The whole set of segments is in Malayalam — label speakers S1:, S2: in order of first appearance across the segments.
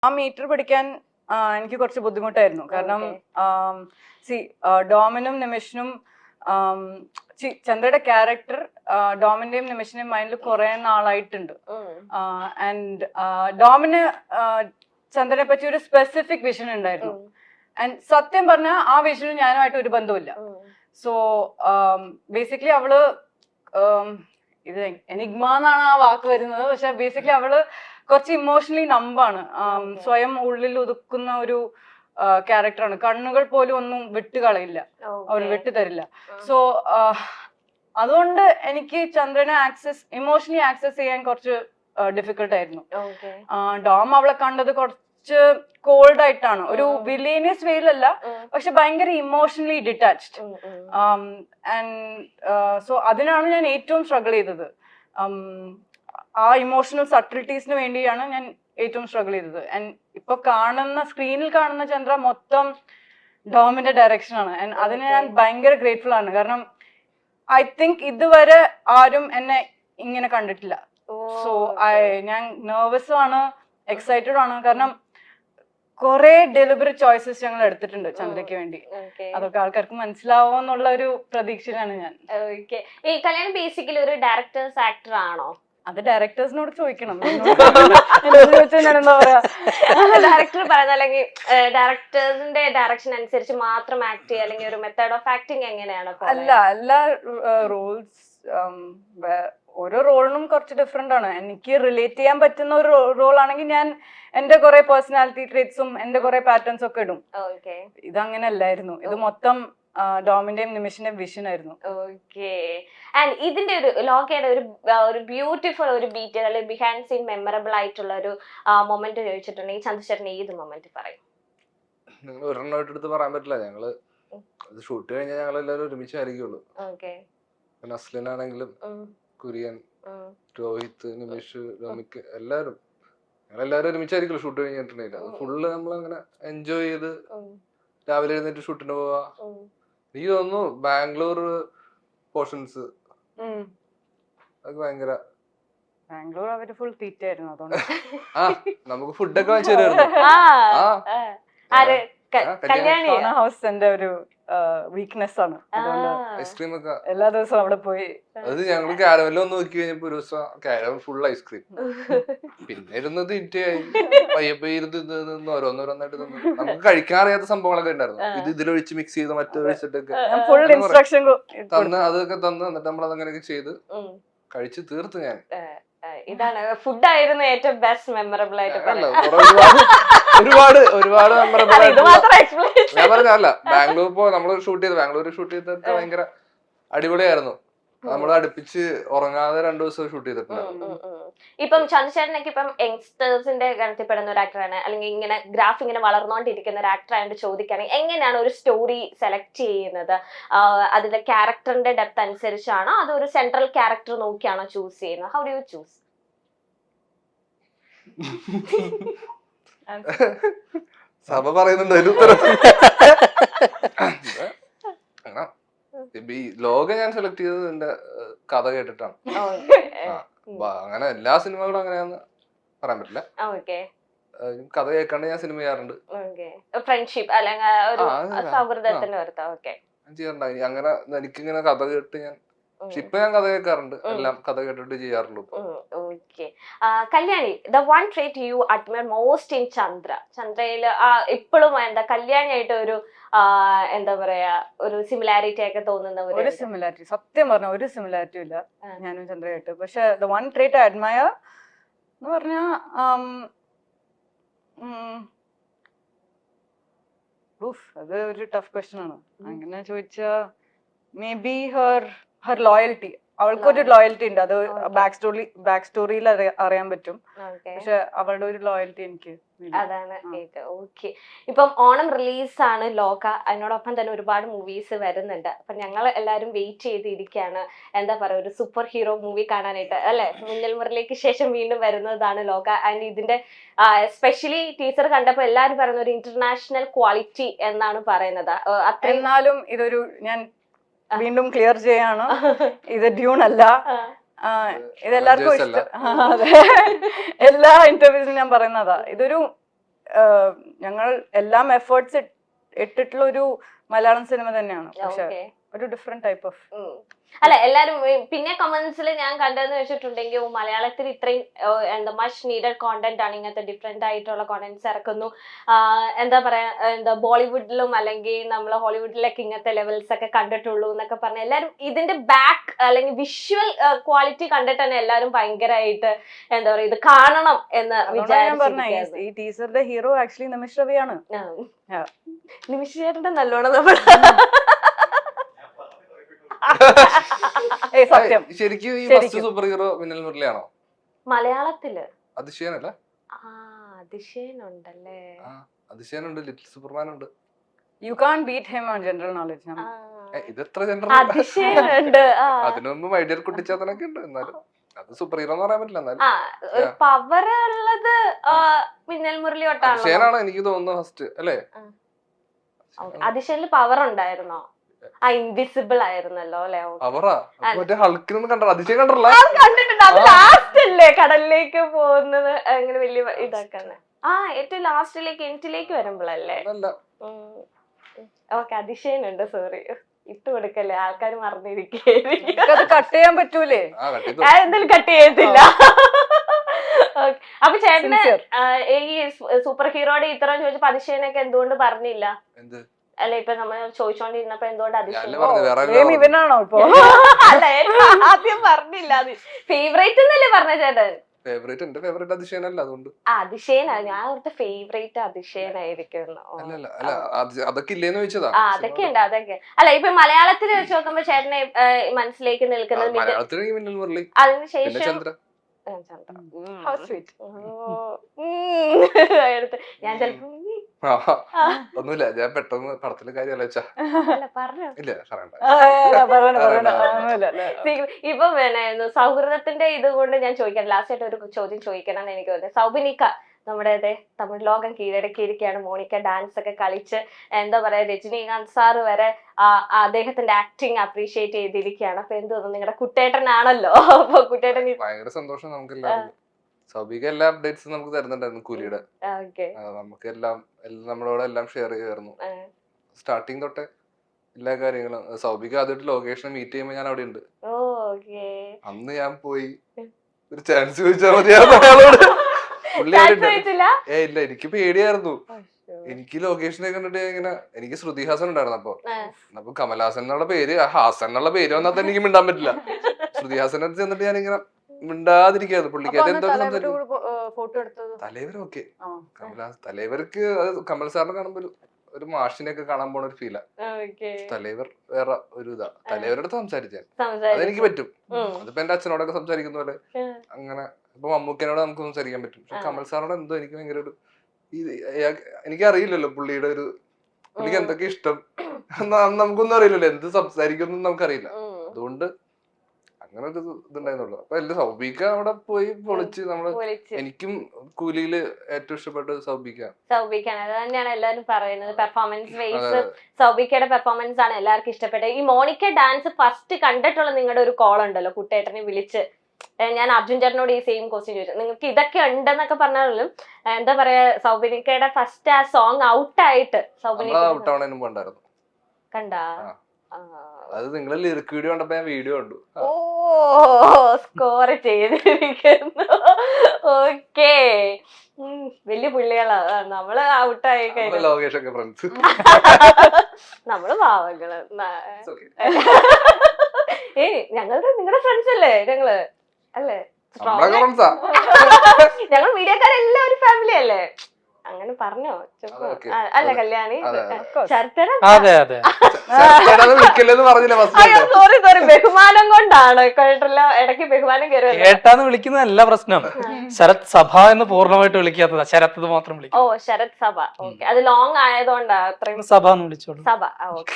S1: ആ മീറ്റർ പഠിക്കാൻ എനിക്ക് കുറച്ച് ബുദ്ധിമുട്ടായിരുന്നു. കാരണം ഡോമിനും നിമിഷനും ചന്ദ്രയുടെ ക്യാരക്ടർ ഡോമിന്റെയും നിമിഷന്റെയും മൈൻഡിൽ കുറെ നാളായിട്ടുണ്ട്. ആൻഡ് ഡോമിന് ചന്ദ്രനെ പറ്റി ഒരു സ്പെസിഫിക് വിഷൻ ഉണ്ടായിരുന്നു. ആൻഡ് സത്യം പറഞ്ഞാൽ ആ വിഷനും ഞാനുമായിട്ട് ഒരു ബന്ധവുമില്ല. സോ ബേസിക്കലി അവള് ഇത് എനിഗ്മ എന്നാണ് ആ വാക്ക് വരുന്നത്. പക്ഷെ ബേസിക്കലി അവള് കുറച്ച് ഇമോഷണലി നമ്പാണ്. സ്വയം ഉള്ളിൽ ഒതുക്കുന്ന ഒരു ക്യാരക്ടറാണ്. കണ്ണുകൾ പോലും ഒന്നും വിട്ടുകളയില്ല, അവർ വിട്ടുതരില്ല. സോ അതുകൊണ്ട് എനിക്ക് ചന്ദ്രനെ ഇമോഷണലി ആക്സസ് ചെയ്യാൻ കുറച്ച് ഡിഫിക്കൽട്ട് ആയിരുന്നു. ഡോം അവളെ കണ്ടത് കുറച്ച് കോൾഡ് ആയിട്ടാണ്, ഒരു വില്ലേനിയസ് വേയിലല്ല, പക്ഷെ ഭയങ്കര ഇമോഷണലി ഡിറ്റാച്ച്ഡ്. ആൻഡ് സോ അതിനാണ് ഞാൻ ഏറ്റവും സ്ട്രഗിൾ ചെയ്തത്. ആ ഇമോഷണൽ സട്ടിലിറ്റീസിന് വേണ്ടിയാണ് ഞാൻ ഏറ്റവും സ്ട്രഗിൾ ചെയ്തത്. ആൻഡ് ഇപ്പൊ സ്ക്രീനിൽ കാണുന്ന ചന്ദ്ര മൊത്തം ഡോമിന്റെ ഡയറക്ഷൻ ആണ്. ആൻഡ് അതിന് ഞാൻ ഭയങ്കര ഗ്രേറ്റ്ഫുൾ ആണ്. കാരണം ഐ തിങ്ക് ഇതുവരെ ആരും എന്നെ ഇങ്ങനെ കണ്ടിട്ടില്ല. സോ ഞാൻ നെർവസും ആണ്, എക്സൈറ്റഡ് ആണ്. കാരണം കുറെ ഡെലിബറേറ്റ് ചോയ്സസ് ഞങ്ങൾ എടുത്തിട്ടുണ്ട് ചന്ദ്രയ്ക്ക് വേണ്ടി. അതൊക്കെ ആൾക്കാർക്ക് മനസ്സിലാവോ എന്നുള്ള ഒരു പ്രതീക്ഷയിലാണ് ഞാൻ.
S2: ഈ കല്യാണം ബേസിക്കലി ഒരു ഡയറക്ടേഴ്സ് ആക്ടർ ആണോ?
S1: അത് ഡയറക്ടേഴ്സിനോട് ചോദിക്കണം. ചോദിച്ചാൽ ഞാൻ എന്താ പറയാ,
S2: ഡയറക്ടർ പറയുന്നത്, അല്ലെങ്കിൽ ഡയറക്ടേഴ്സിന്റെ ഡയറക്ഷൻ അനുസരിച്ച് മാത്രം ആക്ട് ചെയ്യുക, അല്ലെങ്കിൽ ഒരു മെത്തേഡ് ഓഫ് ആക്ടിങ് എങ്ങനെയാണ്?
S1: അല്ല, എല്ലാ റോൾസ് ഓരോ റോളിനും കുറച്ച് ഡിഫറെന്റ് ആണ്. എനിക്ക് റിലേറ്റ് ചെയ്യാൻ പറ്റുന്ന ഒരു റോൾ ആണെങ്കിൽ ഞാൻ എന്റെ കുറെ പേഴ്സണാലിറ്റി ട്രേറ്റ്സും എന്റെ കുറെ പാറ്റേൺസ് ഒക്കെ ഇടും. ഇതങ്ങനെ അല്ലായിരുന്നു. ഇത് മൊത്തം ഡോമിന്റെയും നിമിഷന്റെയും വിഷൻ ആയിരുന്നു.
S2: ആൻഡ് ഇതിന്റെ ഒരു ലോകയുടെ ഒരു ബ്യൂട്ടിഫുൾ ഒരു ബീറ്റ് അല്ലെങ്കിൽ ബിഹൈൻഡ് സീൻ മെമ്മറബിൾ ആയിട്ടുള്ള ഒരു മൊമെന്റ് ചോദിച്ചിട്ടുണ്ടെങ്കിൽ ചന്ദ്രശേഖരൻ ഏത് മൊമെന്റ് പറയും?
S3: നിങ്ങൾ ഒരെണ്ണമായിട്ട് എടുത്ത് പറയാൻ പറ്റില്ല. ഞങ്ങള് ഷൂട്ട് കഴിഞ്ഞാൽ ഞങ്ങൾ എല്ലാവരും ഒരുമിച്ചായിരിക്കുള്ളൂ. നസ്ലിനാണെങ്കിലും കുര്യൻ, രോഹിത്, നിമിഷ്, രോമിക്ക് എല്ലാവരും ഞങ്ങളെല്ലാവരും ഒരുമിച്ചായിരിക്കുള്ളൂ ഷൂട്ട് കഴിഞ്ഞിട്ടുണ്ടെങ്കിൽ. അത് ഫുള്ള് നമ്മളങ്ങനെ എൻജോയ് ചെയ്ത് രാവിലെ എഴുന്നേറ്റ് ഷൂട്ടിന് പോവാ. എനിക്ക് തോന്നുന്നു ബാംഗ്ലൂർ പോർഷൻസ് അത് ഭയങ്കര
S1: ബാംഗ്ലൂർ അവര് ഫുൾ തീറ്റായിരുന്നു. അതുകൊണ്ട്
S3: നമുക്ക് ഫുഡൊക്കെ വാങ്ങിച്ചു തരുമായിരുന്നു.
S1: ഹൗസ് എന്റെ ഒരു വീക്ക്നെസ് ആണ്.
S3: ഐസ്ക്രീം ഒക്കെ
S1: എല്ലാ ദിവസവും അവിടെ പോയി.
S3: അത് ഞങ്ങള് കാരവെല്ലാം ഒന്ന് നോക്കി കഴിഞ്ഞപ്പോ ഒരു ദിവസം കാരവൽ ഫുൾ ഐസ്ക്രീം. പിന്നെ ഇരുന്നത് ഇറ്റായി പയ്യപ്പ ഇരുന്ന് ഓരോന്നോരോന്നായിട്ട് നമുക്ക് കഴിക്കാൻ അറിയാത്ത സംഭവങ്ങളൊക്കെ ഉണ്ടായിരുന്നു. ഇത് ഇതിലൊഴിച്ച് മിക്സ് ചെയ്ത് മറ്റൊഴിച്ചിട്ടൊക്കെ തന്ന് അതൊക്കെ തന്ന് എന്നിട്ട് നമ്മളതങ്ങനെയൊക്കെ ചെയ്ത് കഴിച്ച് തീർത്ത്. ഞാൻ
S2: ഇതാണ് ഫുഡായിരുന്നു ഏറ്റവും ബെസ്റ്റ് മെമ്മറബിൾ ആയിട്ട്
S3: ഒരുപാട് മെമ്മറബിൾ ആയിട്ട് ഞാൻ പറഞ്ഞല്ല. നമ്മള് ഷൂട്ട് ചെയ്തിട്ട് ഭയങ്കര അടിപൊളിയായിരുന്നു. നമ്മൾ അടുപ്പിച്ച് ഉറങ്ങാതെ 2 ദിവസം ഷൂട്ട് ചെയ്തിട്ടുണ്ട്.
S2: ഇപ്പം ചന്ദ്രശേഖരനൊക്കെ ഇപ്പം യങ്സ്റ്റേഴ്സിന്റെ ഗണത്തിൽപ്പെടുന്ന ഒരു ആക്ടറാണ്, അല്ലെങ്കിൽ ഇങ്ങനെ ഗ്രാഫ് ഇങ്ങനെ വളർന്നുകൊണ്ടിരിക്കുന്ന ഒരു ആക്ടർ ആയതുകൊണ്ട് ചോദിക്കുകയാണെങ്കിൽ എങ്ങനെയാണ് ഒരു സ്റ്റോറി സെലക്ട് ചെയ്യുന്നത്? അതിന്റെ ക്യാരക്ടറിന്റെ ഡെപ്ത് അനുസരിച്ചാണോ അതോ ഒരു സെൻട്രൽ ക്യാരക്ടർ നോക്കിയാണോ ചൂസ് ചെയ്യുന്നത്? How do you choose?
S3: Sabha പറയുന്നുണ്ട് ഒരു ഉത്തരം. ഈ ലോകം ഞാൻ സെലക്ട് ചെയ്തത് എന്റെ കഥ കേട്ടിട്ടാണ്. അങ്ങനെ എല്ലാ സിനിമകളും അങ്ങനെയാന്ന് പറയാൻ പറ്റില്ല. കഥ കേൾക്കാണ്ട് ഞാൻ സിനിമ ചെയ്യാറുണ്ട്.
S2: ഫ്രണ്ട്ഷിപ്പ് അല്ലെങ്കിൽ
S3: ചെയ്യാറുണ്ട്. അങ്ങനെ എനിക്കിങ്ങനെ കഥ കേട്ട് ഞാൻ ഇപ്പൊ ഞാൻ കഥ കേൾക്കാറുണ്ട്. എല്ലാം കഥ കേട്ടിട്ട് ചെയ്യാറുള്ളൂ.
S2: Kalyani, the one trait you admire most in ചന്ദ്രയിൽ ഇപ്പോഴും എന്താ കല്യാണിയായിട്ട് ഒരു എന്താ പറയാ ഒരു സിമിലാരിറ്റി ഒക്കെ തോന്നുന്ന
S1: ഒരു സിമിലാരിറ്റി? സത്യം പറഞ്ഞ ഒരു സിമിലാരിറ്റി ഇല്ല ഞാനും ചന്ദ്രയായിട്ട്. പക്ഷെ the one trait I admire എന്ന് പറഞ്ഞാ അത് ഒരു ടഫ് ക്വസ്റ്റ്യൻ ആണ്. അങ്ങനെ ചോദിച്ചാ മേ ബി ഹർ ലോയൽറ്റി. അവൾക്കൊരു ലോയൽറ്റി ഉണ്ട്. അത് ബാക്ക് സ്റ്റോറിയിൽ അറിയാൻ പറ്റും. പക്ഷെ അവളുടെ ഒരു ലോയൽറ്റി എനിക്ക്
S2: അതാണ്. ഓക്കെ, ഇപ്പം ഓണം റിലീസാണ് ലോക, അതിനോടൊപ്പം തന്നെ ഒരുപാട് മൂവീസ് വരുന്നുണ്ട്. അപ്പൊ ഞങ്ങൾ എല്ലാവരും വെയിറ്റ് ചെയ്തിരിക്കുകയാണ് എന്താ പറയുക ഒരു സൂപ്പർ ഹീറോ മൂവി കാണാനായിട്ട്, അല്ലെ? മിന്നൽ മുരളിക്ക് ശേഷം വീണ്ടും വരുന്നതാണ് ലോക. ആൻഡ് ഇതിന്റെ സ്പെഷ്യലി ടീച്ചർ കണ്ടപ്പോ എല്ലാവരും പറയുന്ന ഒരു ഇന്റർനാഷണൽ ക്വാളിറ്റി എന്നാണ് പറയുന്നത്.
S1: എന്നാലും ഇതൊരു ഞാൻ വീണ്ടും ക്ലിയർ ചെയ്യാണ്, ഇത് ഡ്യൂൺ അല്ല. ഇതെല്ലാവർക്കും ഇഷ്ടം. അതെ, എല്ലാ ഇന്റർവ്യൂസിലും ഞാൻ പറയുന്നതാ. ഇതൊരു ഞങ്ങൾ എല്ലാം എഫേർട്സ് ഇട്ടിട്ടുള്ള ഒരു മലയാളം സിനിമ തന്നെയാണ്, പക്ഷെ ഒരു ഡിഫറെന്റ് ടൈപ്പ് ഓഫ്.
S2: അല്ല എല്ലാരും പിന്നെ കമന്റ്സിൽ ഞാൻ കണ്ടതെന്ന് വെച്ചിട്ടുണ്ടെങ്കിൽ മലയാളത്തിൽ ഇത്രയും എന്താ മച്ച് നീഡഡ് കോണ്ടന്റ് ആണ്, ഇങ്ങനത്തെ ഡിഫറെന്റ് ആയിട്ടുള്ള കോണ്ടന്റ്സ് ഇറക്കുന്നു, എന്താ പറയാ എന്താ ബോളിവുഡിലും അല്ലെങ്കിൽ നമ്മളെ ഹോളിവുഡിലൊക്കെ ഇങ്ങനത്തെ ലെവൽസ് ഒക്കെ കണ്ടിട്ടുള്ളൂ എന്നൊക്കെ പറഞ്ഞ എല്ലാരും ഇതിന്റെ ബാക്ക് അല്ലെങ്കിൽ വിഷ്വൽ ക്വാളിറ്റി കണ്ടിട്ട് തന്നെ എല്ലാരും ഭയങ്കരമായിട്ട് എന്താ പറയാ ഇത് കാണണം എന്ന് വിചാരിച്ചു.
S1: ഈ ടീസറിന്റെ ഹീറോ ആക്ച്വലി നിമിഷ് രവിയാണ്.
S2: നിമിഷ് ചേട്ടന്റെ നല്ലോണം നമ്മൾ
S3: ശരിക്കും ഈ ഫസ്റ്റ് സൂപ്പർ ഹീറോ മിന്നൽ മുരളിയാണോ
S2: മലയാളത്തില്?
S3: അതിശയനല്ല,
S2: അതിശയനുണ്ടല്ലേ,
S3: അതിശയനുണ്ട്, ലിറ്റിൽ സൂപ്പർമാൻ ഉണ്ട്.
S1: You can beat him on general knowledge.
S3: ഇതെത്ര ജനറൽ,
S2: അതിശയനുണ്ട്.
S3: അതിനൊന്നും മൈഡിയർ കുട്ടിച്ചാത്തനൊക്കെ ഉണ്ട്, എന്നാലും അത് സൂപ്പർ ഹീറോ എന്ന് പറയാൻ പറ്റില്ല. എന്നാലും
S2: പവർ ഉള്ളത് മിന്നൽ മുരളി തൊട്ടാണ്.
S3: അതിശയനാണ് എനിക്ക് തോന്നുന്നത് ഫസ്റ്റ് അല്ലേ?
S2: അതിശയനില് പവർ ഉണ്ടായിരുന്നോ? ഇൻവിസിബിൾ ആയിരുന്നല്ലോ അല്ലെ?
S3: അവറാ മറ്റേ ഹൾക്കിനൊന്നും കണ്ടോ? അതിശയം കണ്ടല്ല,
S2: കണ്ടിട്ടുണ്ട്. അത് ലാസ്റ്റ് അല്ലേ കടലിലേക്ക് പോകുന്നത്, അങ്ങനെ വലിയ ഇതാക്കാണ്. ഏറ്റവും ലാസ്റ്റിലേക്ക് എൻറ്റിലേക്ക് വരുമ്പോഴല്ലേ? ഓക്കെ, അതിശയനുണ്ട്. സോറി, ഇട്ട് കൊടുക്കല്ലേ, ആൾക്കാർ മറന്നിരിക്കേ.
S1: കട്ട് ചെയ്യാൻ പറ്റൂലേ?
S2: എന്തായാലും കട്ട് ചെയ്യത്തില്ല. അപ്പൊ ചേട്ടന് ഈ സൂപ്പർ ഹീറോയുടെ ഇത്രയും ചോദിച്ചപ്പോ അതിശയനൊക്കെ എന്തുകൊണ്ട് പറഞ്ഞില്ല? അല്ല ഇപ്പൊ നമ്മൾ ചോദിച്ചോണ്ടിരുന്നപ്പോ എന്തുകൊണ്ട് അതിശയം
S1: ഇവനാണോ ഇപ്പൊ?
S2: അല്ല ആദ്യം പറഞ്ഞില്ല. അത് ഫേവറേറ്റ് എന്നല്ലേ പറഞ്ഞ ചേട്ടൻ? അതിശയനാണ്. ഞാൻ അവിടുത്തെ ഫേവറേറ്റ് അതിശയനായിരിക്കും.
S3: അതൊക്കെ ഇല്ലേന്ന് ചോദിച്ചതാ.
S2: അതൊക്കെ ഉണ്ട്, അതൊക്കെ. അല്ല ഇപ്പൊ മലയാളത്തിൽ വെച്ച് നോക്കുമ്പോ ചേട്ടനെ മനസ്സിലേക്ക് നിൽക്കുന്നത് അതിനുശേഷം ഞാൻ ചിലപ്പോ
S3: ഒന്നുമില്ല, ഞാൻ പെട്ടെന്ന് പടത്തിലെ കാര്യം ആലോചിച്ചാ ഇല്ല
S2: ഇപ്പൊ പിന്നെ സൗഹൃദത്തിന്റെ ഇത് കൊണ്ട് ഞാൻ ചോദിക്കണം, ലാസ്റ്റ് ആയിട്ട് ഒരു ചോദ്യം ചോദിക്കണം എന്ന് എനിക്ക് തോന്നുന്നത്. സൗബിനിക്ക നമ്മുടെ തമിഴ് ലോകം കീഴടക്കിയിരിക്കുകയാണ്. മോണിക്ക ഡാൻസ് ഒക്കെ കളിച്ച് എന്താ പറയാ രജനീകാന്ത് സാറ് വരെ അദ്ദേഹത്തിന്റെ ആക്ടിങ് അപ്രീഷിയേറ്റ് ചെയ്തിരിക്കുകയാണ്. അപ്പൊ എന്ത് തോന്നുന്നു? നിങ്ങളുടെ കുട്ടേട്ടനാണല്ലോ, അപ്പൊ കുട്ടേട്ടൻ
S3: ഭയങ്കര സന്തോഷം. നമുക്ക് സൗബിക എല്ലാ അപ്ഡേറ്റ്സും നമുക്ക് തരുന്നുണ്ടായിരുന്നു കൂലിയുടെ. നമുക്ക് എല്ലാം നമ്മളോട് എല്ലാം ഷെയർ ചെയ്യായിരുന്നു സ്റ്റാർട്ടിങ് തൊട്ടേ എല്ലാ കാര്യങ്ങളും. സൗബിക ആദ്യമായിട്ട് ലൊക്കേഷൻ മീറ്റ് ചെയ്യുമ്പോ ഞാൻ അവിടെ ഉണ്ട്. അന്ന് ഞാൻ പോയി ഒരു ചാൻസ് ചോദിച്ചാൽ മതിയായിരുന്നു. ഇല്ല, എനിക്ക് പേടിയായിരുന്നു. എനിക്ക് ലൊക്കേഷനെ കണ്ടിട്ട് ഇങ്ങനെ എനിക്ക് ശ്രുതി ഹാസൻ ഉണ്ടായിരുന്നു. അപ്പൊ കമൽഹാസൻ എന്നുള്ള പേര്, ഹാസൻ എന്നുള്ള പേര് വന്നാൽ തന്നെ എനിക്ക് മിണ്ടാൻ പറ്റില്ല. ശ്രുതി ഹാസൻ അടുത്ത് ചെന്നിട്ട് ഞാൻ ഇങ്ങനെ മിണ്ടാതിരിക്കായിരുന്നു. പുള്ളിക്കാരി എന്തോ തലൈവർ ഓക്കെ, തലൈവർക്ക് കമൽ സാറിനെ കാണുമ്പോ ഒരു മാഷിനെയൊക്കെ കാണാൻ പോണ ഒരു ഫീലാ. തലൈവർ വേറെ ഒരു ഇതാ. തലൈവരുടെ അടുത്ത് സംസാരിച്ചാൽ അതെനിക്ക് പറ്റും. അതിപ്പോ എന്റെ അച്ഛനോടൊക്കെ സംസാരിക്കുന്ന പോലെ അങ്ങനെ. ഇപ്പൊ മമ്മൂക്കനോട് നമുക്ക് സംസാരിക്കാൻ പറ്റും. പക്ഷെ കമൽ സാറിനോട് എന്തോ എനിക്ക് ഭയങ്കര ഒരു എനിക്കറിയില്ലല്ലോ പുള്ളിയുടെ ഒരു പുള്ളിക്ക് എന്തൊക്കെ ഇഷ്ടം നമുക്കൊന്നും അറിയില്ലല്ലോ, എന്ത് സംസാരിക്കുന്നു നമുക്കറിയില്ല. അതുകൊണ്ട് അങ്ങനെ ഒരു ഇതുണ്ടായിരുന്നുള്ളൂ. അപ്പൊ എല്ലാം സൗബിക അവിടെ പോയി പൊളിച്ച് നമ്മള്. എനിക്കും കൂലിയില് ഏറ്റവും ഇഷ്ടപ്പെട്ടത് സൗബിക്കാണ്.
S2: അത് തന്നെയാണ് എല്ലാരും പറയുന്നത്. പെർഫോമൻസ് വൈസ് സൗബിക്കയുടെ പെർഫോമൻസ് ആണ് എല്ലാവർക്കും ഇഷ്ടപ്പെട്ടത്. ഈ മോണിക്ക ഡാൻസ് ഫസ്റ്റ് കണ്ടിട്ടുള്ള നിങ്ങളുടെ ഒരു കോൾ ഉണ്ടല്ലോ, കുട്ടേട്ടനെ വിളിച്ച് ഞാൻ അർജുൻ ചേട്ടനോട് ഈ സെയിം ക്വസ്റ്റ്യൻ ചോദിച്ചു. നിങ്ങൾക്ക് ഇതൊക്കെ ഉണ്ടെന്നൊക്കെ പറഞ്ഞാലും എന്താ പറയാ സൗബിനിക്കയുടെ ഫസ്റ്റ് ആ സോങ് ഔട്ടായിട്ട് സൗബിനിക്ക കണ്ടാ?
S3: അത് നിങ്ങൾ ലിറിക് വീഡിയോ കണ്ടപ്പോ ഞാൻ വീഡിയോ കണ്ടു.
S2: സ്കോർ ചെയ്തിരിക്കുന്നു. ഓക്കേ, വലിയ പുള്ളികളാ നമ്മള്. ഔട്ടായി കഴിഞ്ഞു നമ്മള് പാവങ്ങള്. നിങ്ങളുടെ ഫ്രണ്ട്സ് അല്ലേ ഞങ്ങള്? അല്ലേ? ഞങ്ങൾ മീഡിയക്കാരെല്ലാം ഒരു ഫാമിലി അല്ലേ? അങ്ങനെ പറഞ്ഞോ? അല്ല കല്യാണി സോറി ബഹുമാനം കൊണ്ടാണ്. കേട്ടില്ല, ഇടയ്ക്ക് ബഹുമാനം
S4: കേട്ടാന്ന് വിളിക്കുന്നതല്ല പ്രശ്നം. ശരത് സഭ എന്ന് പൂർണ്ണമായിട്ട് വിളിക്കാത്തതാ, ശരത് മാത്രം വിളിക്കും.
S2: ഓ ശരത് സഭ, ഓക്കെ. അത് ലോങ് ആയതുകൊണ്ടാ അത്രയും
S4: സഭ എന്ന് വിളിച്ചോളൂ.
S2: സഭ, ഓക്കെ.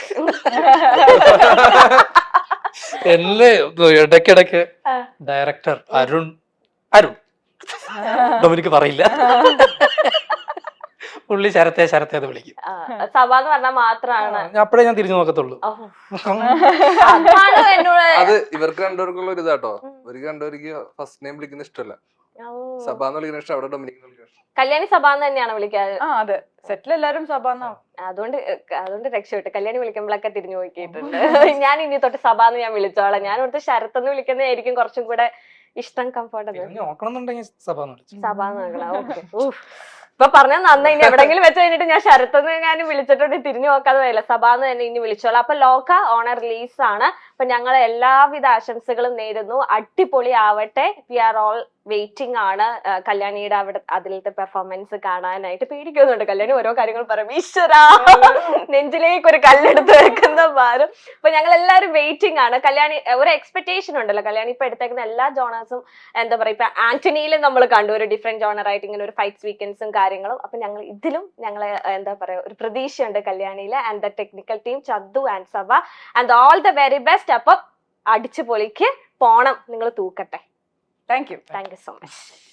S4: എന്നെ ഇടയ്ക്കിടയ്ക്ക് ഡയറക്ടർ അരുൺ ഡൊമിനിക്ക് പറയില്ല, പുള്ളി ശരത്തെ അത് വിളിക്കും.
S2: സഭ എന്ന് പറഞ്ഞാൽ മാത്രമാണ്
S4: അപ്പഴേ ഞാൻ തിരിഞ്ഞു നോക്കത്തുള്ളൂ.
S3: അത് ഇവർക്ക് രണ്ടുപേർക്കുള്ള ഒരു ഇതാട്ടോ. ഇവർക്ക് രണ്ടുപേർക്ക് ഫസ്റ്റ് നെയിം വിളിക്കുന്ന ഇഷ്ടമല്ല. സഭ എന്ന് വിളിക്കുന്ന ഇഷ്ടം, അവിടെ ഡൊമിനിക് എന്ന് വിളിക്കുന്ന ഇഷ്ടം.
S2: കല്യാണി സഭ എന്ന് തന്നെയാണ് വിളിക്കാറ്.
S1: ആ അതെ, സെറ്റിൽ എല്ലാരും സഭ എന്നാ.
S2: അതുകൊണ്ട് രക്ഷപ്പെട്ടു. കല്യാണി വിളിക്കുമ്പോഴൊക്കെ തിരിഞ്ഞു നോക്കിയിട്ടുണ്ട്. ഞാൻ ഇനി തൊട്ട് സഭ എന്ന് ഞാൻ വിളിച്ചോളാം. ഞാൻ ഇവിടുത്തെ ശരത്ത് എന്ന് വിളിക്കുന്നതായിരിക്കും കുറച്ചും കൂടെ ഇഷ്ടം, കംഫർട്ടബിൾ.
S4: നോക്കണമെന്നുണ്ടെങ്കിൽ സഭ എന്ന് വിളിച്ചു.
S2: സഭ എന്ന് നോക്കണം. ഓക്കെ. ഇപ്പൊ പറഞ്ഞാൽ നന്നായി. ഇനി എവിടെങ്കിലും വെച്ച് കഴിഞ്ഞിട്ട് ഞാൻ ശരത്തെന്ന് ഞാൻ വിളിച്ചിട്ടുണ്ട് തിരിഞ്ഞു നോക്കാതെ വരില്ല, സഭ എന്ന് തന്നെ ഇനി വിളിച്ചോളാം. അപ്പൊ ലോക ഓണർ റിലീസ് ആണ്. അപ്പൊ ഞങ്ങൾ എല്ലാവിധ ആശംസകളും നേരുന്നു. അടിപൊളി ആവട്ടെ. വി ആർ ഓൾ വെയിറ്റിംഗ് ആണ് കല്യാണിയുടെ അവിടെ അതിലത്തെ പെർഫോമൻസ് കാണാനായിട്ട്. പേടിക്കുന്നുണ്ട് കല്യാണി ഓരോ കാര്യങ്ങൾ പറയും. ഈശ്വരാ, നെഞ്ചിലേക്ക് ഒരു കല്ലെടുത്ത് വെക്കുന്ന ഭാരം. അപ്പൊ ഞങ്ങൾ എല്ലാവരും വെയിറ്റിംഗ് ആണ്. കല്യാണി ഒരു എക്സ്പെക്ടേഷൻ ഉണ്ടല്ലോ, കല്യാണി ഇപ്പൊ എടുത്തേക്കുന്ന എല്ലാ ജോണേഴ്സും എന്താ പറയാ, ഇപ്പൊ ആന്റണിയിലും നമ്മൾ കണ്ടു ഒരു ഡിഫറെന്റ് ജോണർ ആയിട്ട് ഇങ്ങനെ ഒരു ഫൈറ്റ് സീക്വൻസും കാര്യങ്ങളും. അപ്പൊ ഞങ്ങൾ ഇതിലും ഞങ്ങളെ എന്താ പറയാ ഒരു പ്രതീക്ഷയുണ്ട് കല്യാണിയില്. And the technical team Chandu and Sabha and all the very best. അപ്പൊ അടിച്ചു പൊളിക്ക് പോണം, നിങ്ങൾ തൂക്കട്ടെ.
S1: Thank you
S2: thank you so much.